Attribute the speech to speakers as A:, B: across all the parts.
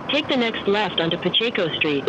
A: Take the next left onto Pacheco Street.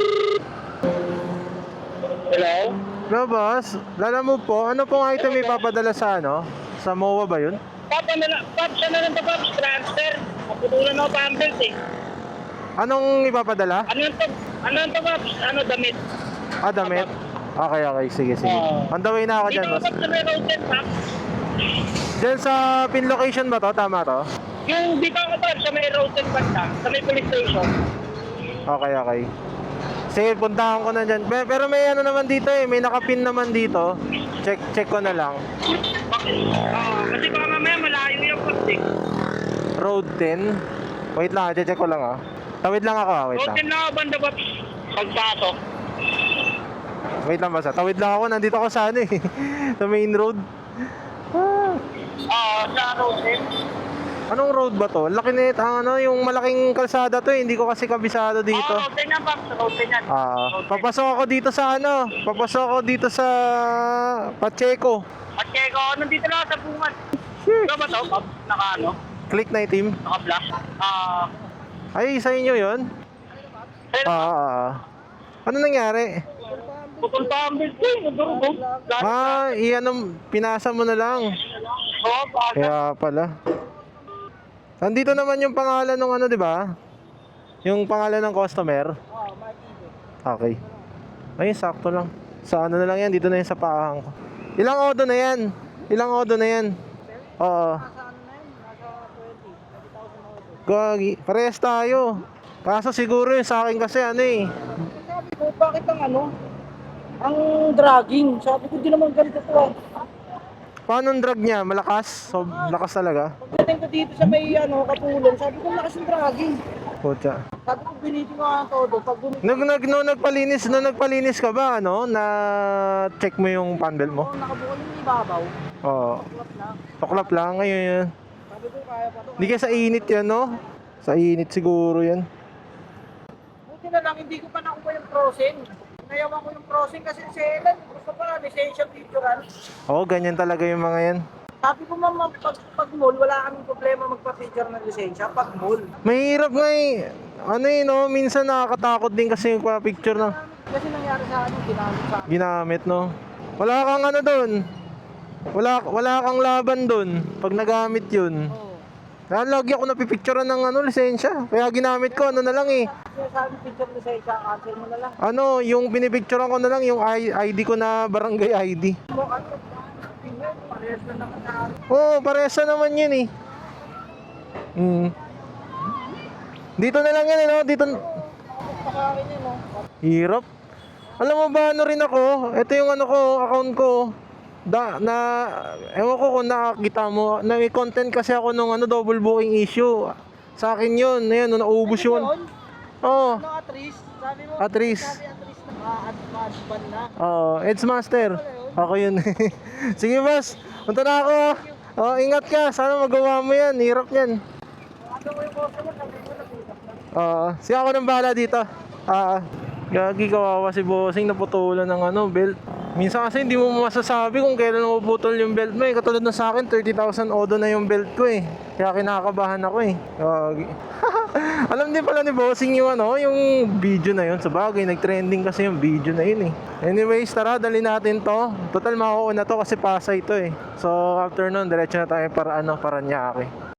B: Hello?
C: No, boss. Lala mo po, ano pong item ipapadala sa ano? Sa MOA ba yun?
B: Papa na lang, Pops, ano lang to, Pops? Transfer. Maputulan ako pambelt eh.
C: Anong ipapadala?
B: Ano to, Pops? Ano, damit?
C: Ah, damit. Okay, okay. Sige, sige. On the way na ako
B: Dito
C: dyan,
B: ako,
C: boss.
B: Pops, sa may road din, Pops.
C: Dyan sa pin location ba to? Tama to?
B: Yung dito ako, Pops, sa may road din, banda. Sa may police station.
C: Okay, okay. Sige, puntahan ko na dyan. Pero may ano naman dito eh. May nakapin naman dito. Check ko na lang.
B: Kasi baka mamaya malayo yung Pops eh.
C: Road 10. Wait lang, check ko lang ah. Tawid lang ako ah, wait
B: Road
C: lang.
B: din na ako, banda, Pops. Pagpasok.
C: Wait lang basta. Tawid lang ako, nandito ako sa ano eh. Sa main road. Ah.
B: Sa road din.
C: Anong road ba to? Laki nito, ano, yung malaking kalsada to eh. Hindi ko kasi kabisado dito.
B: Road din yan, Pops. Road din yan.
C: Papasok ako dito sa ano? Papasok ako dito sa Pacheco.
B: Pacheco, nandito lang sa bungan. Ito ba to, Pops? Naka ano?
C: Click na itim.
B: Naka-flash.
C: Ay, sa inyo yun? Ano nangyari?
B: Putol pa ang belt ko, nagdurugo.
C: Pinasa mo na lang.
B: Oo, pasa.
C: Kaya pala. Nandito naman yung pangalan ng ano, di ba? Yung pangalan ng customer. Okay. Ay, sakto lang. Sa ano na lang yan, dito na yan sa paahang ko. Ilang odo na yan? Ilang odo na yan? Oo. Gagi, parehas tayo. Kaso siguro yung sa akin kasi ano eh.
D: Sabi ko, bakit ang dragging? Sabi ko, di naman ganito to.
C: Paano ang drag niya? Malakas? So, lakas talaga?
D: Pagdating ko dito sa may kapulong, sabi ko, lakas yung dragging.
C: Putya.
D: Sabi ko, biniti ko nga todo. Pag
C: Nagpalinis ka ba, ano? Na check mo yung panel mo?
D: nakabukol yung ibabaw,
C: Oo.
D: tulap na.
C: Tuklap lang ngayon yan.
D: Sabi ko, kaya pa to.
C: Hindi kaya sa init yan, no? Sa init siguro yan.
D: Buti na lang, hindi ko pa nakuha yung crossing. Nayawan ko yung crossing kasi si Ellen, gusto pa na, lisensya picturean.
C: Oo, ganyan talaga yung mga yan.
D: Sabi ko, ma'am, pag mall, wala kaming problema magpa-picture ng lisensya. Pag mall.
C: Mahirap nga eh. Ano eh, no? Minsan nakakatakot din kasi yung picture na
D: Kasi nangyari sa akin, ginamit sa akin.
C: ginamit, no? Wala kang ano dun. Wala kang laban dun pag nagamit yun.
D: Oo.
C: Lagi ako napipicturean ng ano, lisensya. Kaya ginamit ko, ano na lang eh.
D: Kaya sabi, picture lisensya, cancel mo na lang.
C: Ano, yung pinipicturean ko na lang, yung ID ko na barangay ID.
D: Mo, parehas na naman na
C: Oo, parehas na naman yun eh. Dito na lang yan eh, no? Dito.
D: pakakin yun, no?
C: Hirap. Alam mo ba, ano rin ako? Ito yung ano ko, account ko. Ewan ko kung nakakita mo. Na may content kasi ako nung ano, double booking issue. Sa akin yun. Ayan, nung naubos yun. Oo.
D: Ano, Atris? Sabi mo,
C: Atris.
D: sabi Atris na ma-advan na.
C: Oo, Ed's Master. Ako yun. Sige, boss. Punta na ako. Oh, ingat ka. Sana magawa mo yan. Hirap yan.
D: Ano mo yung customer, sabi mo, nag-usap na.
C: Oo. Sige, ako nang bahala dito. Gagi, kawawa si bossing. Naputulan ng ano, belt. Minsan kasi hindi mo masasabi kung kailan mapuputol yung belt mo eh. Katulad na sa akin, 30,000 odo na yung belt ko eh. Kaya kinakabahan ako eh. Gagi. Alam din pala ni bossing yung ano, yung video na yun. Sa bagay, nag-trending kasi yung video na yun eh. Anyways, tara, dali natin to. Total, makuuna to kasi Pasay to eh. So, after nun, diretso na tayo para Paranaque.